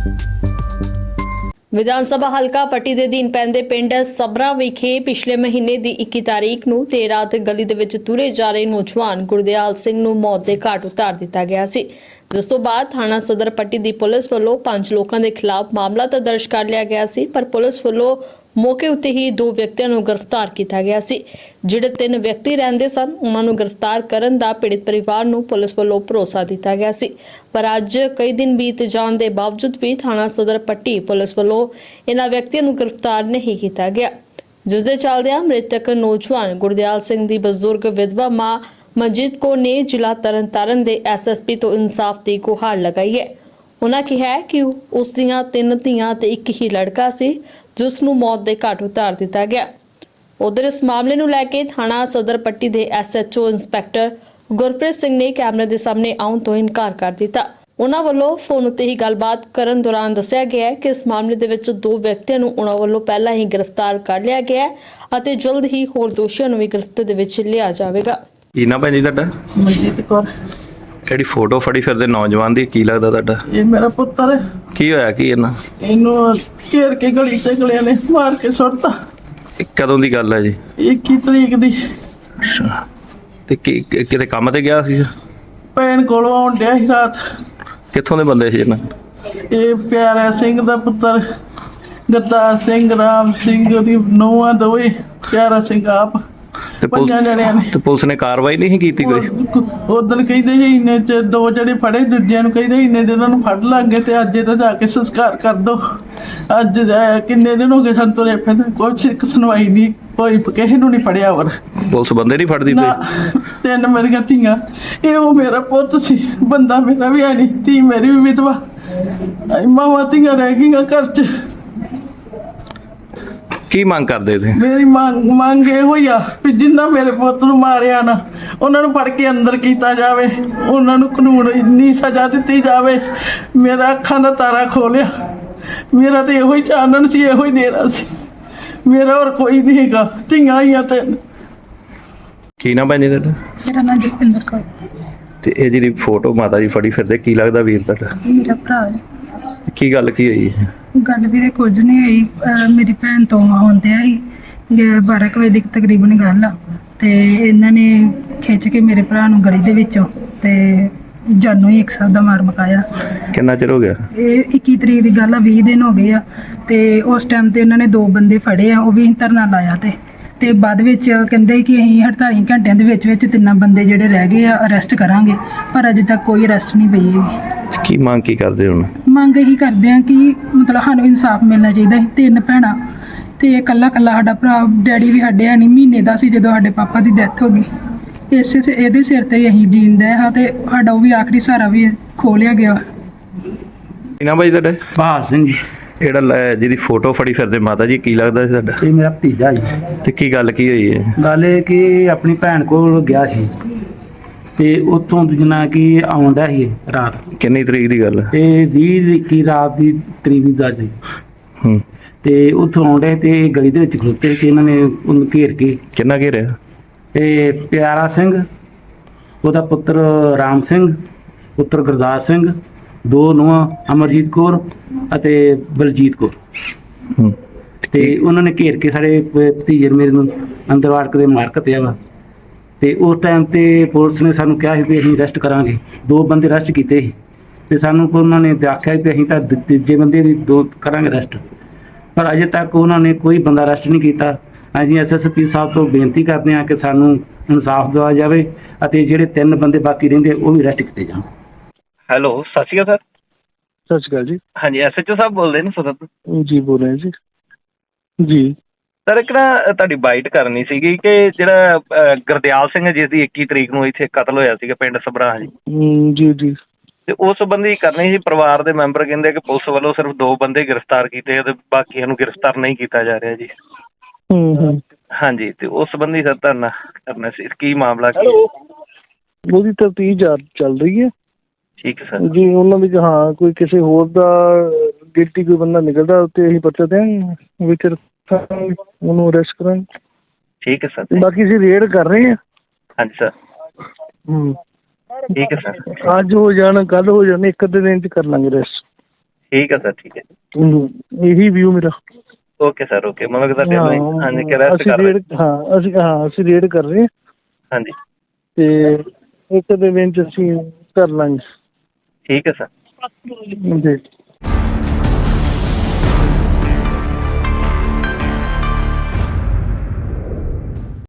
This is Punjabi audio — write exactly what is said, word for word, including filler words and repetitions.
ਵਿਧਾਨ ਸਭਾ ਹਲਕਾ ਪੱਟੀ ਦੇ ਅਧੀਨ ਪੈਂਦੇ ਪਿੰਡ ਸਬਰਾ ਵਿਖੇ ਪਿਛਲੇ ਮਹੀਨੇ ਦੀ ਇੱਕੀ ਤਾਰੀਖ ਨੂੰ ਦੇਰ ਰਾਤ ਗਲੀ ਦੇ ਵਿੱਚ ਤੁਰੇ ਜਾ ਰਹੇ ਨੌਜਵਾਨ ਗੁਰਦਿਆਲ ਸਿੰਘ ਨੂੰ ਮੌਤ ਦੇ ਘਾਟ ਉਤਾਰ ਦਿੱਤਾ ਗਿਆ ਸੀ, ਜਿਸ ਤੋਂ ਬਾਅਦ ਥਾਣਾ ਸਦਰ ਪੱਟੀ ਦੀ ਪੁਲਿਸ ਵੱਲੋਂ ਪੰਜ ਲੋਕਾਂ ਦੇ ਖਿਲਾਫ ਮਾਮਲਾ ਤਾਂ ਦਰਜ ਕਰ ਲਿਆ ਗਿਆ ਸੀ, ਪਰ ਪੁਲਿਸ ਵੱਲੋਂ ਮੌਕੇ ਉੱਤੇ ਹੀ ਦੋ ਵਿਅਕਤੀਆਂ ਨੂੰ ਗ੍ਰਿਫਤਾਰ ਕੀਤਾ ਗਿਆ ਸੀ। ਜਿਹੜੇ ਤਿੰਨ ਵਿਅਕਤੀ ਰਹਿੰਦੇ ਸਨ ਉਹਨਾਂ ਨੂੰ ਗ੍ਰਿਫਤਾਰ ਕਰਨ ਦਾ ਪੀੜਤ ਪਰਿਵਾਰ ਨੂੰ ਪੁਲਿਸ ਵੱਲੋਂ ਭਰੋਸਾ ਦਿੱਤਾ ਗਿਆ ਸੀ, ਪਰ ਅੱਜ ਕਈ ਦਿਨ ਬੀਤ ਜਾਣ ਦੇ ਬਾਵਜੂਦ ਵੀ ਥਾਣਾ ਸਦਰ ਪੱਟੀ ਪੁਲਿਸ ਵੱਲੋਂ ਇਹਨਾਂ ਵਿਅਕਤੀਆਂ ਨੂੰ ਗ੍ਰਿਫਤਾਰ ਨਹੀਂ ਕੀਤਾ ਗਿਆ, ਜਿਸ ਦੇ ਚੱਲਦਿਆਂ ਮ੍ਰਿਤਕ ਨੌਜਵਾਨ ਗੁਰਦਿਆਲ ਸਿੰਘ ਦੀ ਬਜ਼ੁਰਗ ਵਿਧਵਾ ਮਾਂ ਮਨਜੀਤ ਕੌਰ ਨੇ ਜ਼ਿਲ੍ਹਾ ਤਰਨਤਾਰਨ ਦੇ ਐਸ ਐਸ ਪੀ ਤੋਂ ਇਨਸਾਫ ਦੀ ਗੁਹਾਰ ਲਗਾਈ ਹੈ। ਉਹਨਾਂ ਕਿਹਾ ਕਿ ਉਸ ਦੀਆਂ ਤਿੰਨ ਧੀਆਂ ਤੇ ਇੱਕ ਹੀ ਲੜਕਾ ਸੀ, ਜਿਸ ਨੂੰ ਮੌਤ ਦੇ ਘਾਟ ਉਤਾਰ ਦਿੱਤਾ ਗਿਆ। ਉਧਰ ਇਸ ਮਾਮਲੇ ਨੂੰ ਲੈ ਕੇ ਥਾਣਾ ਸਦਰ ਪੱਟੀ ਦੇ S H O inspector Gurpreet Singh ਨੇ ਕੈਮਰੇ ਦੇ ਸਾਹਮਣੇ ਆਉਣ ਤੋਂ ਇਨਕਾਰ ਕਰ ਦਿੱਤਾ। ਉਹਨਾਂ ਵੱਲੋਂ ਫੋਨ ਉੱਤੇ ਹੀ ਗੱਲਬਾਤ ਕਰਨ ਦੌਰਾਨ ਦੱਸਿਆ ਗਿਆ ਕਿ ਇਸ ਮਾਮਲੇ ਦੇ ਵਿੱਚ ਦੋ ਵਿਅਕਤੀਆਂ ਨੂੰ ਉਹਨਾਂ ਵੱਲੋਂ ਪਹਿਲਾਂ ਹੀ ਗ੍ਰਿਫਤਾਰ ਕਰ ਲਿਆ ਗਿਆ ਹੈ ਅਤੇ ਜਲਦ ਹੀ ਹੋਰ ਦੋਸ਼ੀਆਂ ਨੂੰ ਵੀ ਗ੍ਰਿਫਤ ਦੇ ਵਿੱਚ ਲਿਆ ਜਾਵੇਗਾ। ਕੀ ਨਾ ਭੈਣ ਜੀ ਤੁਹਾਡਾ? ਮਨਜੀਤ ਕੌਰ। ਜਿਹੜੀ ਫੋਟੋ ਫੜੀ ਫਿਰਦੇ ਨੌਜਵਾਨ ਦੀ, ਕੀ ਲੱਗਦਾ ਤੁਹਾਡਾ? ਇਹ ਮੇਰਾ ਪੁੱਤਰ ਹੈ। ਕੀ ਹੋਇਆ ਕੀ ਇਹਨਾਂ? ਇਹਨੂੰ ਘੇਰ ਕੇ ਗਲੀ ਤੇ ਗਲਿਆਂ ਨੇ ਮਾਰ ਕੇ ਸੁੱਟਤਾ। ਇਹ ਕਦੋਂ ਦੀ ਗੱਲ ਹੈ ਜੀ? ਇੱਕੀ ਤਰੀਕ ਦੀ। ਅੱਛਾ, ਤੇ ਕੀ ਕਿਤੇ ਕੰਮ ਤੇ ਗਿਆ ਸੀ? ਭੈਣ ਕੋਲੋਂ ਆਉਣ ਡਿਆ ਸੀ ਰਾਤ। ਕਿੱਥੋਂ ਦੇ ਬੰਦੇ ਸੀ ਇਹਨਾਂ? ਇਹ ਪਿਆਰਾ ਸਿੰਘ ਦਾ ਪੁੱਤਰ ਗੱਦਾਰ ਸਿੰਘ, ਰਾਮ ਸਿੰਘ ਦੀ ਨੂੰਹਾਂ ਦੋਵੇਂ, ਪਿਆਰਾ ਸਿੰਘ ਆਪ, ਤੇ ਪੰਜਾਂ ਜਣਿਆਂ ਨੇ। ਤੇ ਪੁਲਿਸ ਨੇ ਕਾਰਵਾਈ ਨਹੀਂ ਕੀਤੀ ਕੋਈ? ਉਦੋਂ ਕਹਿੰਦੇ ਸੀ ਇੰਨੇ ਚ ਦੋ ਜਿਹੜੇ ਫੜੇ, ਦੂਜਿਆਂ ਨੂੰ ਕਹਿੰਦੇ ਇੰਨੇ ਦਿਨ ਉਹਨਾਂ ਨੂੰ ਫੜ ਲਾਂਗੇ ਤੇ ਅੱਜ ਤਾਂ ਜਾ ਕੇ ਸੰਸਕਾਰ ਕਰ ਦੋ। ਅੱਜ ਕਿੰਨੇ ਦਿਨ ਹੋ ਗਏ ਸਾਨੂੰ ਤੁਰੇ ਫਿਰਦੇ, ਕੁਛ ਇੱਕ ਸੁਣਵਾਈ ਨਹੀਂ ਕੋਈ, ਕਿਸੇ ਨੂੰ ਨਹੀਂ ਫੜਿਆ। ਹੋਰ ਪੁਲਿਸ ਬੰਦੇ ਨਹੀਂ ਫੜਦੀ ਨਾ, ਪਈ? ਤਿੰਨ ਮੇਰੀਆਂ ਧੀਆਂ, ਇਹ ਉਹ ਮੇਰਾ ਪੁੱਤ ਸੀ, ਬੰਦਾ ਮੇਰਾ ਵੀ ਹੈ ਨਹੀਂ, ਧੀ ਮੇਰੀ ਵੀ ਵਿਧਵਾ, ਮਾਵਾਂ ਧੀਆਂ ਰਹਿ ਗਈਆਂ ਘਰ 'ਚ। ਕੀ ਮੰਗ ਕਰਦੇ ਤੁਸੀਂ? ਮੇਰੀ ਮੰਗ ਮੰਗ ਇਹ ਹੋਈ ਆ ਵੀ ਜਿੰਨਾ ਮੇਰੇ ਪੁੱਤ ਨੂੰ ਮਾਰਿਆ ਨਾ, ਉਹਨਾਂ ਨੂੰ ਫੜ ਕੇ ਅੰਦਰ ਕੀਤਾ ਜਾਵੇ, ਉਹਨਾਂ ਨੂੰ ਕਾਨੂੰਨ ਇੰਨੀ ਸਜ਼ਾ ਦਿੱਤੀ ਜਾਵੇ। ਮੇਰਾ ਅੱਖਾਂ ਦਾ ਤਾਰਾ ਖੋਲਿਆ, ਮੇਰਾ ਤੇ ਇਹੋ ਹੀ ਚਾਨਣ ਸੀ, ਇਹੋ ਹੀ ਨੇਰਾ ਸੀ ਮੇਰਾ, ਹੋਰ ਕੋਈ ਨਹੀਂ ਹੈਗਾ। ਧੀਆਂ ਹੀ ਆ ਤੇ। ਕੀ ਨਾ ਭੈਣ ਜੀ ਤੁਹਾਡਾ? ਮੇਰਾ ਨਾਮ ਜਸਪਿੰਦਰ ਕੌਰ। ਤੇ ਇਹ ਜਿਹੜੀ ਫੋਟੋ ਮਾਤਾ ਜੀ ਫੜੀ ਫਿਰਦੇ, ਕੀ ਲੱਗਦਾ ਵੀਰ ਤੁਹਾਡਾ? ਮੇਰਾ ਭਰਾ ਹੈ। ਕੀ ਗੱਲ ਕੀ ਹੋਈ? ਗੱਲ ਵੀਰੇ ਕੁਝ ਨਹੀਂ ਹੋਈ। ਅਹ ਮੇਰੀ ਭੈਣ ਤੋਂ ਆਉਂਦੇ ਆ ਸੀ ਬਾਰਾਂ ਕੁ ਵਜੇ ਦੀ ਤਕਰੀਬਨ ਗੱਲ ਆ, ਤੇ ਇਹਨਾਂ ਨੇ ਖਿੱਚ ਕੇ ਮੇਰੇ ਭਰਾ ਨੂੰ ਗਲੀ ਦੇ ਵਿੱਚੋਂ ਤੇ ਜਾਨੋਂ ਹੀ ਇੱਕ ਸਾਹ ਦਾ ਮਾਰ ਮੁਕਾਇਆ। ਕਿੰਨਾ ਚਿਰ ਹੋ ਗਿਆ? ਇਹ ਇੱਕੀ ਤਰੀਕ ਦੀ ਗੱਲ ਆ, ਵੀਹ ਦਿਨ ਹੋ ਗਏ ਆ। ਤੇ ਉਸ ਟਾਈਮ ਤੇ ਇਹਨਾਂ ਨੇ ਦੋ ਬੰਦੇ ਫੜੇ ਆ, ਉਹ ਵੀ ਧਰਨਾ ਲਾਇਆ ਤੇ ਤੇ ਬਾਅਦ ਵਿੱਚ ਕਹਿੰਦੇ ਕਿ ਅਸੀਂ ਅਠਤਾਲੀ ਘੰਟਿਆਂ ਦੇ ਵਿੱਚ ਵਿੱਚ ਤਿੰਨਾਂ ਬੰਦੇ ਜਿਹੜੇ ਰਹਿ ਗਏ ਆ ਅਰੈਸਟ ਕਰਾਂਗੇ, ਪਰ ਅਜੇ ਤੱਕ ਕੋਈ ਅਰੈਸਟ ਨਹੀਂ ਪਈ ਹੈਗੀ। ਕੀ ਮੰਗ ਕੀ ਕਰਦੇ ਹੁਣ? ਮੰਗ ਇਹੀ ਕਰਦੇ ਆ ਕਿ ਮਤਲਬ ਸਾਨੂੰ ਇਨਸਾਫ ਮਿਲਣਾ ਚਾਹੀਦਾ। ਅਸੀਂ ਤਿੰਨ ਭੈਣਾਂ ਤੇ ਇਕੱਲਾ ਇਕੱਲਾ ਸਾਡਾ ਭਰਾ, ਡੈਡੀ ਵੀ ਸਾਡੇ ਨਹੀਂ ਮਹੀਨੇ ਦਾ ਸੀ ਜਦੋਂ ਸਾਡੇ ਪਾਪਾ ਦੀ ਡੈਥ ਹੋ ਗਈ। ਇਸੇ ਇਹਦੇ ਸਿਰ ਤੇ ਅਸੀਂ ਜੀਂਦੇ ਹਾਂ ਤੇ ਸਾਡਾ ਉਹ ਵੀ ਆਖਰੀ ਸਹਾਰਾ ਵੀ ਖੋਹ ਲਿਆ ਗਿਆ। ਕੀ ਨਾ ਭਾਈ ਤੁਹਾਡਾ? ਬਹਾਦਰ ਸਿੰਘ ਜੀ। ਜਿਹੜਾ ਲੈ- ਜਿਹਦੀ ਫੋਟੋ ਫੜੀ ਫਿਰਦੇ ਮਾਤਾ ਜੀ, ਕੀ ਲੱਗਦਾ ਸੀ ਤੁਹਾਡਾ? ਇਹ ਮੇਰਾ ਭਤੀਜਾ ਜੀ। ਤੇ ਕੀ ਗੱਲ ਕੀ ਹੋਈ ਹੈ? ਗੱਲ ਇਹ ਕਿ ਆਪਣੀ ਭੈਣ ਕੋਲ ਗਿਆ ਸੀ ਤੇ ਉੱਥੋਂ ਜਨਾ ਕਿ ਆਉਂਦਾ ਸੀ ਰਾਤ। ਕਿੰਨੀ ਤਰੀਕ ਦੀ ਗੱਲ ਹੈ? ਤੇ ਵੀਹ ਇੱਕੀ ਰਾਤ ਦੀ ਤਰੀਕ ਦੀ ਗੱਲ ਸੀ। ਹੂੰ। ਤੇ ਉੱਥੋਂ ਆਉਂਦੇ ਤੇ ਗਲੀ ਦੇ ਵਿੱਚ ਖਲੋਤੇ ਕਿ ਇਹਨਾਂ ਨੇ ਉਹਨੂੰ ਘੇਰ ਕੇ। ਕਿੰਨਾ ਘੇਰਿਆ? ਤੇ ਪਿਆਰਾ ਸਿੰਘ, ਉਹਦਾ ਪੁੱਤਰ ਰਾਮ ਸਿੰਘ, ਪੁੱਤਰ ਗੁਰਦਾਸ ਸਿੰਘ, ਦੋ ਨੂੰਹਾਂ ਅਮਰਜੀਤ ਕੌਰ ਅਤੇ ਬਲਜੀਤ ਕੌਰ। ਹੂੰ। ਤੇ ਉਹਨਾਂ ਨੇ ਘੇਰ ਕੇ ਸਾਡੇ ਭਤੀਜੇ ਮੇਰੇ ਨੂੰ ਅੰਦਰ ਵਾੜ ਕੇ ਮਾਰ ਕੱਤਿਆ ਵਾ। ਤੇ ਉਸ ਟਾਈਮ ਤੇ ਪੁਲਿਸ ਨੇ ਸਾਨੂੰ ਕਿਹਾ ਸੀ ਵੀ ਅਸੀਂ ਅਰੈਸਟ ਕਰਾਂਗੇ। ਦੋ ਬੰਦੇ ਅਰੈਸਟ ਕੀਤੇ ਸੀ ਤੇ ਸਾਨੂੰ ਉਹਨਾਂ ਨੇ ਆਖਿਆ ਵੀ ਅਸੀਂ ਤਾਂ ਤੀਜੇ ਬੰਦੇ ਦੀ ਦੋ ਕਰਾਂਗੇ ਅਰੈਸਟ, ਪਰ ਅਜੇ ਤੱਕ ਉਹਨਾਂ ਨੇ ਕੋਈ ਬੰਦਾ ਅਰੈਸਟ ਨਹੀਂ ਕੀਤਾ। ਅਸੀਂ ਐਸ ਐਸ ਪੀ ਸਾਹਿਬ ਤੋਂ ਬੇਨਤੀ ਕਰਦੇ ਹਾਂ ਕਿ ਸਾਨੂੰ ਇਨਸਾਫ ਦਿਵਾਇਆ ਜਾਵੇ ਅਤੇ ਜਿਹੜੇ ਤਿੰਨ ਬੰਦੇ ਬਾਕੀ ਰਹਿੰਦੇ ਉਹ ਵੀ ਅਰੈਸਟ ਕੀਤੇ ਜਾਣ। ਹੈਲੋ, ਸਤਿ ਸ਼੍ਰੀ ਅਕਾਲ ਸਰ। ਸਤਿ ਸ਼੍ਰੀ ਅਕਾਲ ਜੀ। ਹਾਂਜੀ, ਐਸ ਐਚ ਓ ਸਾਹਿਬ ਬੋਲਦੇ ਨੇ ਸਦਰ ਤੋਂ? ਜੀ ਬੋਲ ਰਹੇ ਜੀ। ਜੀ ਸਰ, ਇੱਕ ਨਾ ਤੁਹਾਡੀ ਬਾਈਟ ਕਰਨੀ ਸੀਗੀ ਕਿ ਜਿਹੜਾ ਗੁਰਦਿਆਲ ਸਿੰਘ ਜਿਸ ਦੀ ਇੱਕੀ ਤਰੀਕ ਨੂੰ ਇੱਥੇ ਕਤਲ ਹੋਇਆ ਸੀਗਾ ਪਿੰਡ ਸਬਰਾ ਜੀ, ਜੀ ਜੀ ਤੇ ਉਸ ਸੰਬੰਧੀ ਕਰਨੀ ਸੀ। ਪਰਿਵਾਰ ਦੇ ਮੈਂਬਰ ਕਹਿੰਦੇ ਕਿ ਪੁਲਿਸ ਵੱਲੋਂ ਸਿਰਫ ਦੋ ਬੰਦੇ ਗ੍ਰਿਫਤਾਰ ਕੀਤੇ ਤੇ ਬਾਕੀਆਂ ਨੂੰ ਗ੍ਰਿਫਤਾਰ ਨਹੀਂ ਕੀਤਾ ਜਾ ਰਿਹਾ ਜੀ। ਹੂੰ ਹੂੰ ਹਾਂਜੀ, ਤੇ ਉਸ ਸੰਬੰਧੀ ਸਰ ਧਰਨਾ ਕਰਨਾ ਸੀ। ਕੀ ਮਾਮਲਾ ਕੀ? ਉਹਦੀ ਤਫਤੀਸ਼ ਚੱਲ ਰਹੀ ਹੈ। ਠੀਕ ਹੈ ਸਰ ਜੀ। ਉਹਨਾਂ ਵਿੱਚ ਹਾਂ ਕੋਈ ਕਿਸੇ ਹੋਰ ਦਾ ਗਿਲਟੀ ਕੋਈ ਬੰਦਾ ਨਿਕਲਦਾ ਉੱਤੇ ਅਸੀਂ ਪਰਚਾ ਦਿਆਂਗੇ, ਵਿੱਚ ਰੱਖਾਂਗੇ, ਉਹਨੂੰ ਅਰੈਸਟ ਕਰਾਂਗੇ। ਠੀਕ ਹੈ ਸਰ। ਬਾਕੀ ਅਸੀਂ ਰੇਡ ਕਰ ਰਹੇ ਹਾਂ। ਹਾਂਜੀ ਸਰ। ਹੂੰ ਠੀਕ ਹੈ ਸਰ। ਅੱਜ ਹੋ ਜਾਣ, ਕੱਲ ਹੋ ਜਾਣ, ਇੱਕ ਅੱਧੇ ਦਿਨ ਚ ਕਰ ਲਾਂਗੇ ਅਰੈਸਟ। ਠੀਕ ਹੈ ਸਰ, ਠੀਕ ਹੈ। ਹੂੰ, ਇਹੀ ਵਿਊ ਮੇਰਾ। Okay sir, okay. ਮਤਲਬ ਕਿ ਤੁਹਾਡੇ ਹਾਂ, ਵੱਲੋਂ ਹਾਂਜੀ ਕਿ ਰੈਸਟ ਅਸੀਂ ਕਰ ਰਹੇ। ਰੇਡ ਹਾਂ ਅਸੀਂ ਹਾਂ ਅਸੀਂ ਰੇਡ ਕਰ ਰਹੇ ਹਾਂ ਹਾਂਜੀ, ਤੇ ਇੱਕ ਦੇ ਵਿੱਚ ਅਸੀਂ ਕਰ ਲਾਂਗੇ। ਠੀਕ ਹੈ ਸਰ। ਜੀ।